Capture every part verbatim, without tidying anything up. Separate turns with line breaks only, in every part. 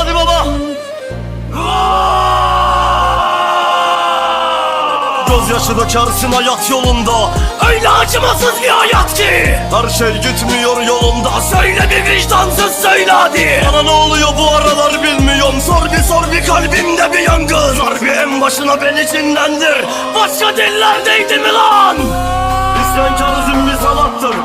Hadi baba. Gözyaşı dökersin hayat yolunda, öyle acımasız bir hayat ki her şey gitmiyor yolunda. Söyle bir vicdansız, söyle hadi. Bana ne oluyor bu aralar bilmiyorum. Sor bir sor bir, kalbimde bir yangın. Sor bir en başına beni cinlendir. Başka dillerdeydi mi lan? İsyankarızm bir sanattır.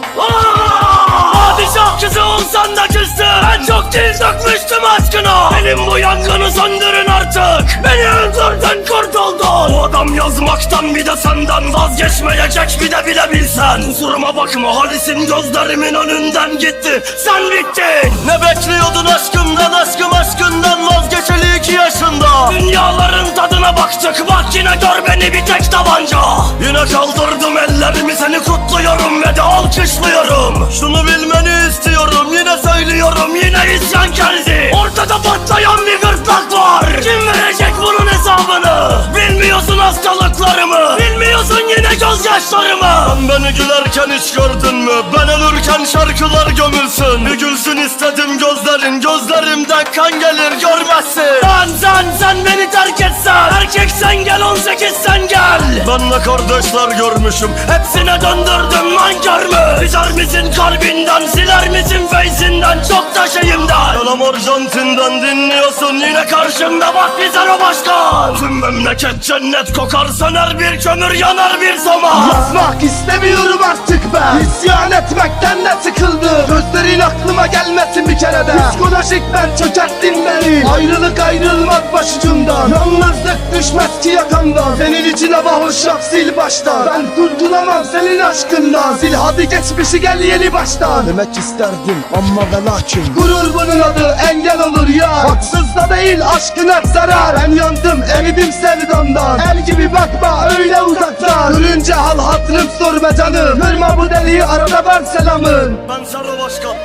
Padişah kızı olsan da küstü. Ben çok dil dökmüştüm aşkına. Benim bu yangını söndürün artık. Beni öldürdün, kurtuldun. Bu adam yazmaktan bir de senden vazgeçmeyecek, bir de bile bilsen. Kusuruma bakma, Halis'in gözlerimin önünden gitti. Sen bittin. Ne bekliyordun aşkımdan, aşkım aşkından vazgeçeli iki yaşında. Dünyaların tadına baktık, bak yine gör beni bir tek tabanca. Yine kaldırdım ellerimi, seni kutluyorum ve de alkışlıyorum. Şunu bilmeni istiyorum, yine söylüyorum, yine isyan geldi. Ortada patlayan bir gırtlak var. Kim verecek bunun hesabını? Bilmiyorsun hastalıklarımı, bilmiyorsun yine gözyaşlarımı. Sen beni gülerken hiç gördün mü? Ben ölürken şarkılar gömülsün. Bir gülsün istedim gözlerin, gözlerimden kan gelir görmezsin. Sen sen sen beni terk etsen, erkeksen gel, on sekiz sen gel. Ben de kardeşler görmüşüm, hepsine döndürdüm nankör mü? Bizer misin kalbinden, siler misin feyzinden, çok da şeyimden. Yalam Arjantin'den dinliyorsun, yine karşımda bak bizer o başkan. Tüm memleket cennet kokar, söner bir kömür, yanar bir soma.
Yazmak istemiyorum artık ben, İsyan etmekten de sıkıldım. Gözlerin aklıma gelmesin bir kere de. Psikolojik ben çökerttin beni. Ayrılık ayrılmaz başucumdan, yalnızlık düşmez ki yakamdan. Senin için hava hoş yap, sil baştan. Ben kurtulamam senin aşkından. Sil hadi geçmişi, gel yeni baştan. Demek isterdim ama ve lakin gurur bunun adı, engel olur ya. Haksız da değil aşkın hep zarar. Ben yandım, eridim sevdamdan. El gibi bakma öyle uzaktan. Görünce hal hatırım sorma canım. Kırma bu deliği, arada ver selamın.
Ben Serra Başkan,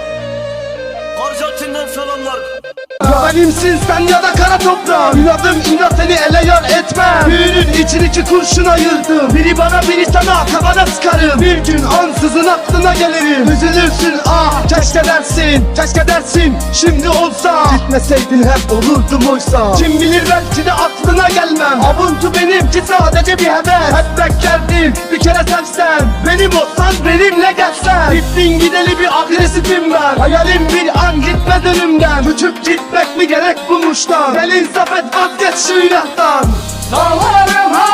Arjantin'den selamlar.
Ya benimsin sen ya da kara toprağım. İnadım inat, seni ele yar etmem. Büyünün için iki kurşun ayırdım. Biri bana biri sana, kafana sıkarım. Bir gün ansızın aklına gelirim. Üzülürsün ah keşke dersin, keşke dersin şimdi olsa. Gitmeseydin hep olurdum oysa. Kim bilir belki de aklına gelmem. Avuntu benimki sadece bir heves. Hep beklerdim bir kere sevsen. Benim olsan benimle gelsen. Gittin gideli bir agresifim ben. Hayalim bir an gitme önümden. Uçup gitmek mi gerek bu muştan? Gel insaf et, vazgeç şu inattan. Dağlarım